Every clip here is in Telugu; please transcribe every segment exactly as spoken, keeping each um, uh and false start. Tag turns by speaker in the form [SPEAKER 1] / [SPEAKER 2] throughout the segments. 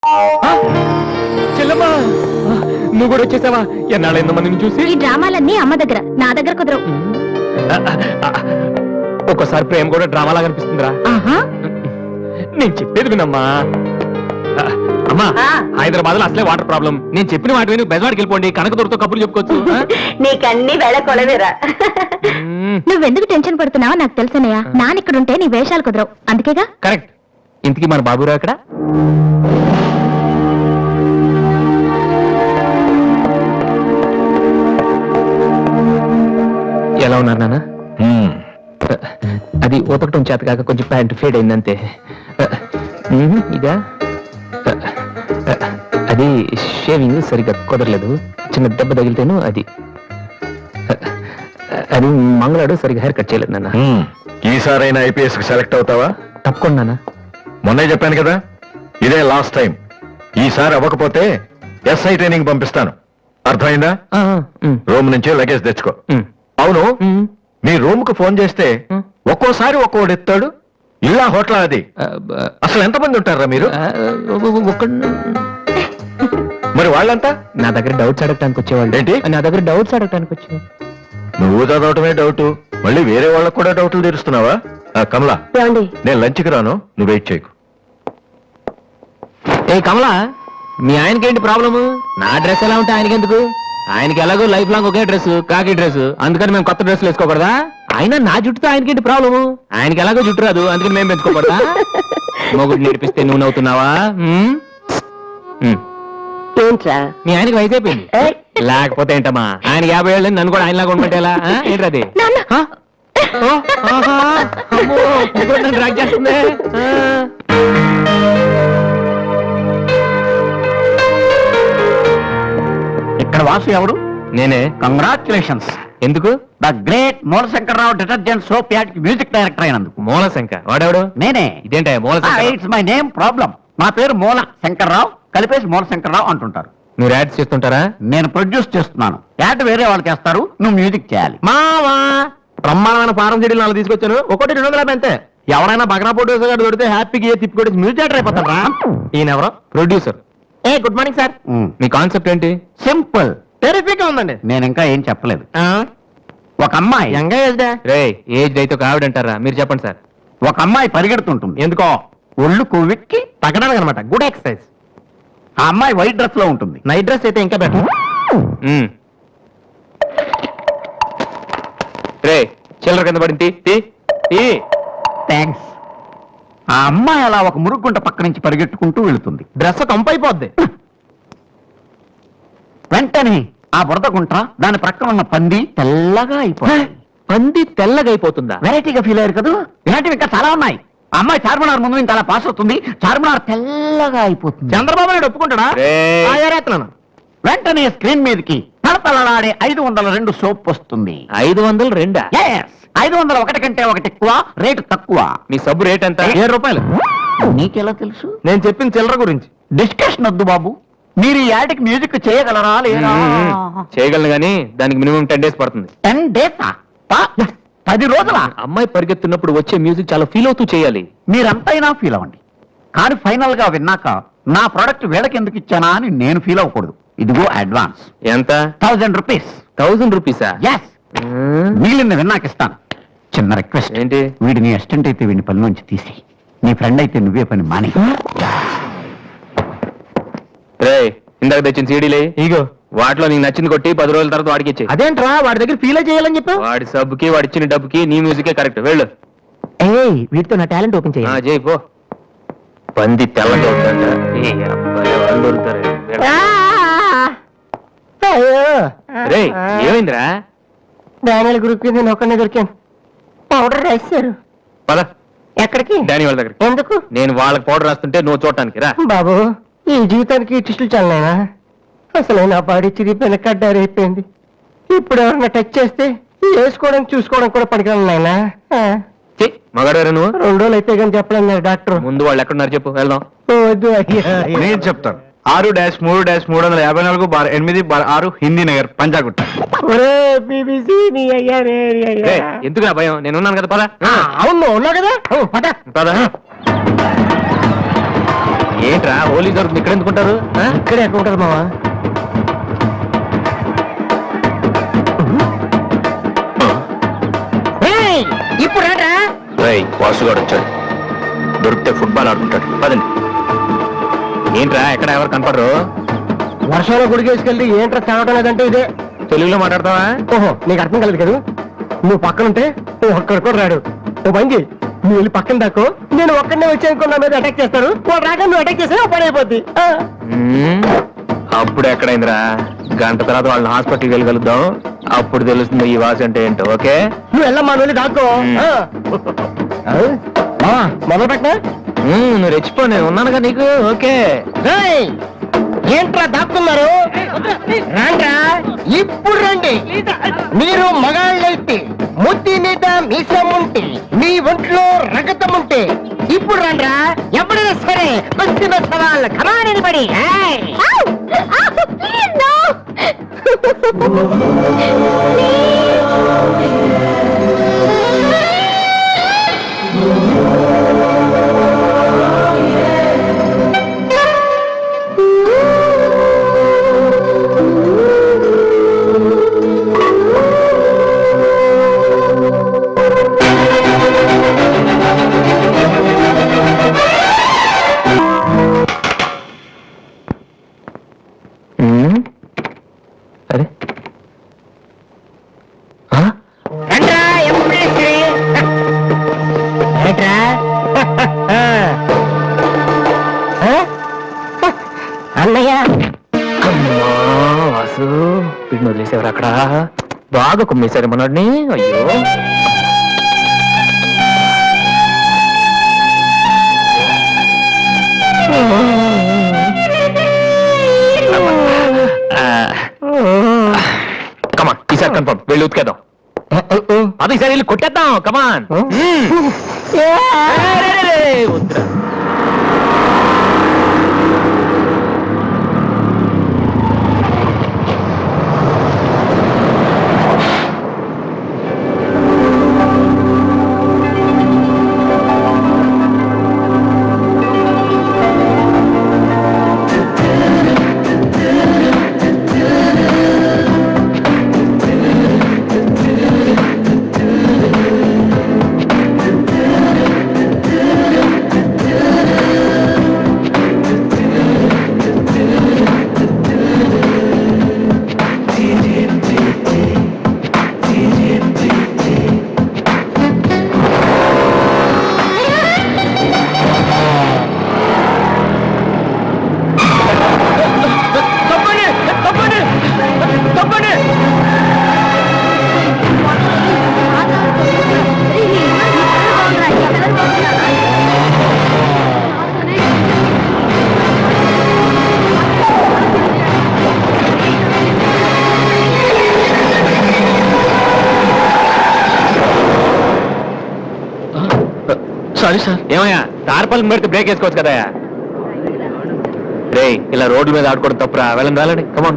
[SPEAKER 1] చెల్లమ్మా నువ్వు కూడా వచ్చేసావా? ఎన్నాళ్ళు ఎంతమందిని చూసి.
[SPEAKER 2] ఈ డ్రామాలన్నీ అమ్మ దగ్గర, నా దగ్గర కుదరవు.
[SPEAKER 1] ఒక్కోసారి ప్రేమ కూడా డ్రామాలా కనిపిస్తుందిరా. నేను చెప్పేది వినమ్మా. అమ్మా హైదరాబాద్ లో అసలే వాటర్ ప్రాబ్లం. నేను చెప్పిన వాటి విని బెజవాడికి వెళ్ళిపోండి, కనకదుర్తో కప్పులు చెప్పుకోవచ్చు.
[SPEAKER 3] నీకన్నీ వేళ కొలవేరా.
[SPEAKER 2] నువ్వెందుకు టెన్షన్ పడుతున్నావో నాకు తెలుసనయ్యా. నాన్న ఇక్కడుంటే నీ వేషాలు కుదరవు, అందుకేగా.
[SPEAKER 1] కరెక్ట్. ఇంతకీ మన బాబురావు ఎక్కడ? ఎలా ఉన్నారు నాన్న? అది ఊతకటం చేత కాక కొంచెం ప్యాంట్ ఫేడ్ అయిందంతే. ఇదా అది షేవింగ్ సరిగ్గా కుదరలేదు, చిన్న దెబ్బ తగిలితేను. అది అది మంగళాడు సరిగ్గా హెయిర్ కట్ చేయలేదు నాన్న.
[SPEAKER 4] ఈసారైనా ఐపీఎస్ కి సెలెక్ట్ అవుతావా?
[SPEAKER 1] తప్పకుండా నాన్న.
[SPEAKER 4] మొన్నే చెప్పాను కదా, ఇదే లాస్ట్ టైం. ఈసారి అవ్వకపోతే ఎస్ఐ ట్రైనింగ్ పంపిస్తాను, అర్థమైందా? రూమ్ నుంచి లగేజ్ తెచ్చుకో. అవును, మీ రూమ్ కు ఫోన్ చేస్తే ఒక్కోసారి ఒక్కోడు ఎత్తాడు. ఇల్లా హోటల్ అది? అసలు ఎంతమంది ఉంటారా మీరు? మరి వాళ్ళంతా
[SPEAKER 1] నా దగ్గర డౌట్స్ అడగటానికి వచ్చేవాళ్ళు.
[SPEAKER 4] ఏంటి?
[SPEAKER 1] నా దగ్గర డౌట్స్ అడగటానికి వచ్చేవాళ్ళు.
[SPEAKER 4] నువ్వు చదవటమే డౌట్, మళ్ళీ వేరే వాళ్ళకు కూడా డౌట్లు తీరుస్తున్నావా? కమలా, నేను లంచ్కి రాను, నువ్వు వెయిట్ చేయకు.
[SPEAKER 1] ఏ కమలా, మీ ఆయనకేంటి ప్రాబ్లము? నా డ్రెస్ ఎలా ఉంటే ఆయనకి ఎందుకు? ఆయనకి ఎలాగో లైఫ్ లాంగ్ ఒకే డ్రెస్, కాకి డ్రెస్, అందుకని మేము కొత్త డ్రెస్లు వేసుకోకూడదా? ఆయన నా జుట్టుతో ఆయనకేంటి ప్రాబ్లము? ఆయనకి ఎలాగో జుట్టు రాదు, అందుకని మేము పెంచుకోకూడదా? మొగుడు నేర్పిస్తే నువ్వు నవ్వుతున్నావా?
[SPEAKER 3] ఏంట్రా
[SPEAKER 1] మీ ఆయనకి వయసు అయిపోయింది. లేకపోతే ఏంటమ్మా, ఆయన యాభై ఏళ్ళు నన్ను కూడా ఆయనలాగా ఉండమంటేలా? ఏంటది? డ్రాక్ చేస్తుంది.
[SPEAKER 5] ఇక్కడ వాసు ఎవరు?
[SPEAKER 1] నేనే.
[SPEAKER 5] కంగ్రాచులేషన్స్.
[SPEAKER 1] ఎందుకు?
[SPEAKER 5] ద గ్రేట్ మూలశంకరరావు డిటర్జెంట్ సోప్ యాడ్ కి మ్యూజిక్ డైరెక్టర్ అయినందుకు.
[SPEAKER 1] మూలశంక వాడెవడు?
[SPEAKER 5] నేనే.
[SPEAKER 1] ఇదేంటే మూలశంక?
[SPEAKER 5] It's my name problem. నా పేరు మూల శంకర్రావు, కలిపేసి మూలశంకరరావు అంటుంటారు.
[SPEAKER 1] మీరు యాడ్స్ చేస్తుంటారా?
[SPEAKER 5] నేను ప్రొడ్యూస్ చేస్తున్నాను. యాడ్ వేరే వాళ్ళు చేస్తారు, నువ్వు మ్యూజిక్ చేయాలి.
[SPEAKER 1] మావా బ్రహ్మాండమైన ఫారం చెడీలు నాలుగు తీసుకొచ్చాను, ఒకటి రెండు వందల అంతే. ఎవరైనా బగ్రా ప్రొడ్యూసర్ గారు దొరికితే హ్యాపీగా ఏ తిప్పి కొట్టి మ్యూజిక్ డైరెక్టర్ అయిపోతాను రా. ఈయన ఎవరో ప్రొడ్యూసర్. ఏ గుడ్ మార్నింగ్ సార్. మీ కాన్సెప్ట్ ఏంటి?
[SPEAKER 5] సింపుల్,
[SPEAKER 1] టెరిఫిక్ ఉందండి.
[SPEAKER 5] నేను ఇంకా ఏం చెప్పలేదు. ఒక అమ్మాయి
[SPEAKER 1] యంగ్ ఏజ్ రే ఏజ్ అయితే ఒక ఆవిడ అంటారా? మీరు చెప్పండి సార్.
[SPEAKER 5] ఒక అమ్మాయి పరిగెడుతుంటుంది.
[SPEAKER 1] ఎందుకో?
[SPEAKER 5] ఒళ్ళు కొవ్వెక్కి
[SPEAKER 1] తగ్గడానికి అనమాట. Good exercise.
[SPEAKER 5] ఆ అమ్మాయి వైట్ డ్రెస్ లో ఉంటుంది.
[SPEAKER 1] నైట్ డ్రెస్ అయితే ఇంకా బెటర్. రే చిల్లర కింద పడింది.
[SPEAKER 5] థ్యాంక్స్. ఆ అమ్మాయి అలా ఒక మురుగుంట పక్క నుంచి పరిగెట్టుకుంటూ వెళుతుంది.
[SPEAKER 1] డ్రెస్ కంపైపోద్ది.
[SPEAKER 5] వెంటనే ఆ బురద గుంట, దాని ప్రక్కన ఉన్న పంది తెల్లగా అయిపోతుంది.
[SPEAKER 1] పంది తెల్లగా అయిపోతుందా?
[SPEAKER 5] వెరైటీగా ఫీల్ అయ్యారు కదా. ఇలాంటివి ఇంకా చాలా ఉన్నాయి. ఆ అమ్మాయి చార్మినార్ ముందు ఇంకా అలా పాస్ అవుతుంది, చార్మినార్ తెల్లగా అయిపోతుంది.
[SPEAKER 1] చంద్రబాబు నాయుడు ఒప్పుకుంటాడా?
[SPEAKER 5] వెంటనే స్క్రీన్ మీదకి తలతలలాడే ఐదు వందల రెండు సోప్ వస్తుంది.
[SPEAKER 1] ఐదు వందలు రెండా?
[SPEAKER 5] ఐదు వందల ఒకటి కంటే ఒకటి ఎక్కువ, రేటు తక్కువ.
[SPEAKER 1] మీ సబ్బు రేట్ ఎంత? ఏడు రూపాయలు.
[SPEAKER 5] నీకెలా తెలుసు?
[SPEAKER 1] నేను చెప్పిన చిల్లర గురించి.
[SPEAKER 5] డిస్కషన్ వద్దు బాబు. మీరు ఈ యాడ్కి మ్యూజిక్ చేయగలరా లేదా?
[SPEAKER 1] చేయగలను గానీ దానికి మినిమం టెన్ డేస్ పడుతుంది.
[SPEAKER 5] టెన్ డేస్ పది రోజుల
[SPEAKER 1] అమ్మాయి పరిగెత్తున్నప్పుడు వచ్చే మ్యూజిక్ చాలా ఫీల్ అవుతూ చేయాలి.
[SPEAKER 5] మీరంతైనా ఫీల్ అవ్వండి, కానీ ఫైనల్ గా విన్నాక నా ప్రోడక్ట్ వీళ్ళకి ఎందుకు ఇచ్చానా అని నేను ఫీల్ అవ్వకూడదు. ఇదిగో అడ్వాన్స్.
[SPEAKER 1] ఎంత?
[SPEAKER 5] Thousand rupees.
[SPEAKER 1] థౌజండ్ రూపీసా?
[SPEAKER 5] ఎస్. మిగిలింది విన్నాక ఇస్తాను. చిన్న రిక్వెస్ట్.
[SPEAKER 1] ఏంటి?
[SPEAKER 5] వీడి నీ అసిస్టెంట్ అయితే వీడిని పని నుంచి తీసి, నీ ఫ్రెండ్ అయితే నువ్వే పని మాని.
[SPEAKER 1] రే ఇందాక తెచ్చిన సీడీలే ఇగో, వాటిలో నీకు నచ్చింది కొట్టి పది రోజుల తర్వాత వాడికి ఇచ్చే.
[SPEAKER 5] అదేంట్రా వాడి దగ్గర ఫీల్ చేయాలని చెప్పు.
[SPEAKER 1] వాడి సబ్బుకి వాడి ఇచ్చిన డబ్బుకి నీ మ్యూజికే కరెక్ట్. వెళ్ళు.
[SPEAKER 5] వీటితో నా టాలెంట్ ఓపెన్ చేయ.
[SPEAKER 1] చేయి పో. పంది తెల్లగా ఉందంట. రే ఏమైందిరా?
[SPEAKER 3] డానియల్ గ్రూప్ కి నేను ఒక్కనే దొరికాను. పౌడర్ రాశారు.
[SPEAKER 1] పద.
[SPEAKER 3] ఎక్కడికి?
[SPEAKER 1] డానీ వాళ్ళ దగ్గర.
[SPEAKER 3] ఎందుకు?
[SPEAKER 1] నేను వాళ్ళకి పౌడర్ రాస్తుంటే నువ్వు చూడటానికి రా.
[SPEAKER 3] బాబు ఈ జీవితానికి టిస్టులు చాలనా? అసలు నా బాడీ చిరిగిపోయిన కడ్డారు అయిపోయింది. ఇప్పుడు ఎవరన్నా టచ్ చేస్తే వేసుకోవడం చూసుకోవడం కూడా పనికిరాను నాయనా.
[SPEAKER 1] మగాడారా నువ్వు?
[SPEAKER 3] రెండు రోజులు అయితే కానీ చెప్పలేదు డాక్టర్.
[SPEAKER 1] ముందు వాళ్ళు ఎక్కడున్నారు చెప్పు, వెళ్దాం.
[SPEAKER 3] వద్దు అయ్యా.
[SPEAKER 4] నేను చెప్తాను. ఆరు డాష్ మూడు డాష్ మూడు వందల యాభై నాలుగు బార్ ఎనిమిది బార్ ఆరు హిందీ నగర్ పంజాగుట్ట.
[SPEAKER 1] ఎందుకు నా భయం? నేను ఉన్నాను కదా. పద.
[SPEAKER 3] అవును ఉన్నావు కదా. పద
[SPEAKER 1] పద. ఏంట్రా హోలీ దొరుకుతుంది ఇక్కడ ఎందుకుంటారు ఆ?
[SPEAKER 3] ఇక్కడే ఎక్కడ ఉంటుంది మావా ఇప్పుడు రాట్రా
[SPEAKER 1] రేయ్ వాసుగాడు వచ్చాడు దొరికితే ఫుట్బాల్ ఆడుకుంటాడు పదండి ఏంట్రా ఎక్కడ ఎవరు కనపడరు
[SPEAKER 3] వర్షంలో గుడికి వేసుకెళ్ళి ఏంట్రా చదవటం లేదంటే ఇదే
[SPEAKER 1] తెలుగులో మాట్లాడతావా
[SPEAKER 3] ఓహో నీకు అర్థం కలదు కదా నువ్వు పక్కనుంటే నువ్వు ఒక్కడు కూడా రాడు ఓ బంగి నువ్వు వెళ్ళి పక్కన దాకో నేను ఒక్కడనే వచ్చానుకో నా మీద అటాక్ చేస్తాను వాడు రాక నువ్వు అటాక్ చేస్తే పని అయిపోద్ది ఆ.
[SPEAKER 1] మ్మ్. అప్పుడు ఎక్కడైందిరా గంట తర్వాత వాళ్ళని హాస్పిటల్కి వెళ్ళగలుగుతాం అప్పుడు తెలుస్తుంది ఈ వాసి అంటే ఏంటో ఓకే
[SPEAKER 3] నువ్వు వెళ్ళమ్మా నువ్వు వెళ్ళి దాక్కో ఆ. ఆ? మావా, మొదలు పెట్టనా
[SPEAKER 1] మ్మ్, నువ్వు రెచ్చిపో నేను ఉన్నానుగా నీకు ఓకే
[SPEAKER 3] రేయ్, ఏంట్రా దాక్కున్నారు రాండ్రా ఇప్పుడు రండి మీరు మగాళ్ళైతే ముద్ది మీద మీసం ఉంటే మీ ఒంట్లో రగతం ఉంటే ఇప్పుడు రండ్రా ఎవరైనా సరే బస్తి సవాల్ కమాని పడి
[SPEAKER 1] మ్మ్. అరే ఆ?
[SPEAKER 3] రండ్రా ఎప్పుడే ఏంట్రా అన్నయ్య
[SPEAKER 1] అమ్మా వాసు వీడిని వదిలేసేవారు అక్కడ బాగా కుమ్మేశారు మనోడిని అయ్యో కమాన్ ఈసారి కన్ఫర్మ్ వెళ్ళి ఉతికేద్దాం అది ఈసారి వెళ్ళి కొట్టేద్దాం కమాన్ వద్దురా సారీ సార్ ఏమయ్యా తారపల్లి పెడితే బ్రేక్ వేసుకోవచ్చు కదా రే ఇలా రోడ్ల మీద ఆడుకోవడం తప్పురా వెళ్ళండి వెళ్ళండి కమాన్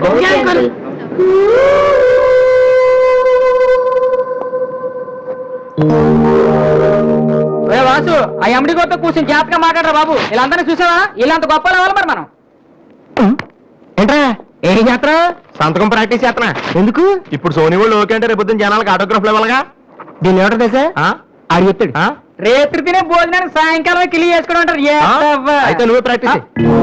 [SPEAKER 3] వాసు ఆ ఎమ్డి కొత్త కూర్చొని జాతగా మాట్లాడరా బాబు వీళ్ళందరినీ చూసావా వీళ్ళంత గొప్ప లేవాలి మరి మనం ఏంట్రా ఏం చేస్తారా
[SPEAKER 1] సంతకం ప్రాక్టీస్ చేస్తున్నా
[SPEAKER 3] ఎందుకు
[SPEAKER 1] ఇప్పుడు సోనీ వాళ్ళు ఓకే అంటే రేపు జనాలకు ఆటోగ్రాఫ్ ఇవ్వాలిగా
[SPEAKER 3] దీన్ని ఎవరు తెలుసా ఆడు చెప్తాడు రేత్రి తినే భోజనాన్ని సాయంకాలం కిలి చేసుకుని ఉంటారు
[SPEAKER 1] అయితే నువ్వే ప్రాక్టీస్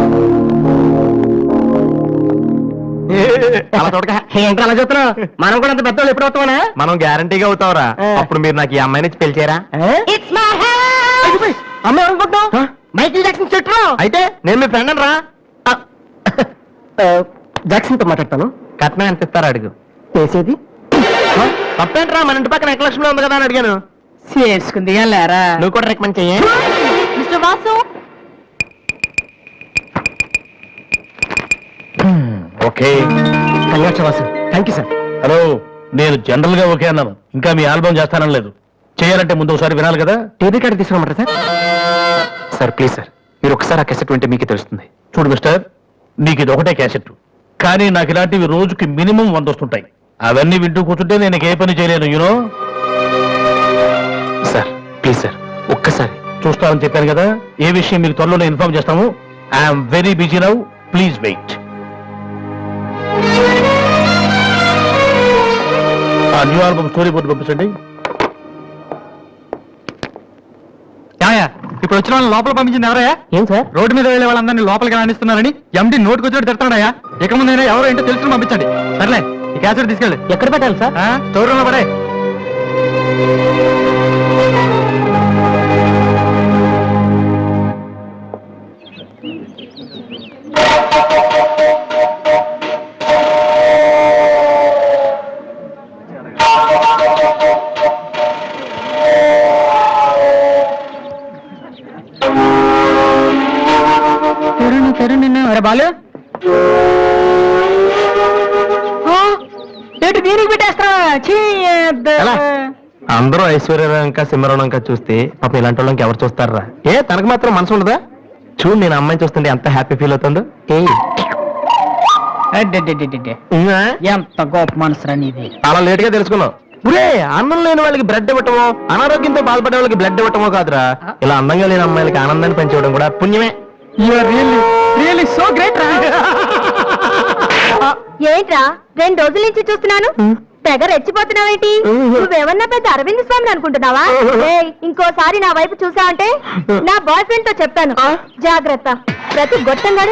[SPEAKER 1] అలా చూడక
[SPEAKER 3] ఏంట్రా అలా చెప్తున్నావు మనం కూడా అంత పెద్దోళ్ళు ఎప్పుడు అవుతామనా
[SPEAKER 1] మనం గ్యారంటీగా అవుతావురా అప్పుడు మీరు నాకు ఈ అమ్మాయిని ఇచ్చి పెళ్లి చేయరా
[SPEAKER 3] అమ్మాయి అనుకుంటున్నావు మైకిల్ జాక్సన్ చెట్టు
[SPEAKER 1] అయితే నేను మీ ఫ్రెండ్ రా
[SPEAKER 3] జాక్సన్ తో మాట్లాడతాను
[SPEAKER 1] కట్నం ఎంత ఇస్తారా అడుగు
[SPEAKER 3] చేసేది
[SPEAKER 1] తప్పేంట్రా మన ఇంటి పక్కన ఎక్లక్ష్మి ఉంది కదా అని అడిగాను
[SPEAKER 3] చేసుకుంది లేరా
[SPEAKER 1] నువ్వు కూడా రికమెండ్ చెయ్యి
[SPEAKER 2] mister Vasu
[SPEAKER 4] okay
[SPEAKER 3] congrats Vasu thank you sir
[SPEAKER 4] hello నేను జనరల్ గా ఓకే అన్నాను ఇంకా మీ ఆల్బమ్ చేస్తానని లేదు చేయాలంటే ముందు ఒకసారి వినాలి కదా
[SPEAKER 3] టేబుల్ కార్డు తీసుకురమ్మంటారా సార్
[SPEAKER 1] సార్ ప్లీజ్ సార్ మీరు ఒకసారి ఆ కెసెట్ వింటే మీకే తెలుస్తుంది
[SPEAKER 4] చూడు మిస్టర్ నీకు ఇది ఒకటే క్యాసెట్ కానీ నాకు ఇలాంటివి రోజుకి మినిమం వంద వస్తుంటాయి అవన్నీ వింటూ కూర్చుంటే నేను ఏ పని చేయలేను యూనో
[SPEAKER 1] సార్ ప్లీజ్ సార్ ఒక్కసారి
[SPEAKER 4] చూస్తామని చెప్పాను కదా ఏ విషయం మీకు త్వరలోనే ఇన్ఫార్మ్ చేస్తాము
[SPEAKER 1] I'm very busy now please wait. ఆ న్యూ ఆల్బమ్ స్టోరీ బోర్డు పంపించండి.
[SPEAKER 6] ఇప్పుడు వచ్చిన వాళ్ళని లోపల పంపించింది ఎవరయ్యా?
[SPEAKER 1] ఏం సార్?
[SPEAKER 6] రోడ్డు మీద వెళ్ళే వాళ్ళందరినీ లోపలికి రాణిస్తున్నారని ఎండి నోటుకు వచ్చినట్టు తిడతాడయ్యా. ఇక ముందైనా ఎవరో ఏంటో తెలుసుకుని పంపించండి. సర్లే ఈ క్యాసెట్ తీసుకెళ్ళి
[SPEAKER 1] ఎక్కడ పెట్టాలి సార్?
[SPEAKER 6] స్టోర్ రూమ్ లో పడే.
[SPEAKER 3] బాలు ఏంటి దీనికి పెట్టేస్తారా?
[SPEAKER 1] ఎలా? అందరూ ఐశ్వర్యరంక సింహరణంక చూస్తే పాపం ఇలాంటి వాళ్ళకి ఎవరు చూస్తారా? ఏ తనకు మాత్రం మనసు ఉండదా? చూడు నేను అమ్మాయిని చూస్తుంటే ఎంత హ్యాపీ ఫీల్ అవుతుందో. ఏ
[SPEAKER 3] ఎంత గొప్ప మనసురా నీది.
[SPEAKER 1] చాలా లేట్ గా తెలుసుకున్నావు. ఒరే, అన్నం లేని వాళ్ళకి బ్లడ్ ఇవ్వటమో, అనారోగ్యంతో బాధపడే వాళ్ళకి బ్లడ్ ఇవ్వటమో కాదురా, ఇలా అందంగా లేని అమ్మాయిలకి ఆనందాన్ని పెంచడం కూడా పుణ్యమే.
[SPEAKER 3] సో గ్రేట్ రా.
[SPEAKER 2] ఏంట్రా రెండు రోజుల నుంచి చూస్తున్నాను తెగ రెచ్చిపోతున్నావేంటి? నువ్వేమన్నా పెద్ద అరవింద్ స్వామి అనుకుంటున్నావా? ఏయ్, ఇంకోసారి నా వైపు చూసావంటే నా బాయ్ ఫ్రెండ్ తో చెప్తాను. జాగ్రత్త. ప్రతి గొట్టంగాడు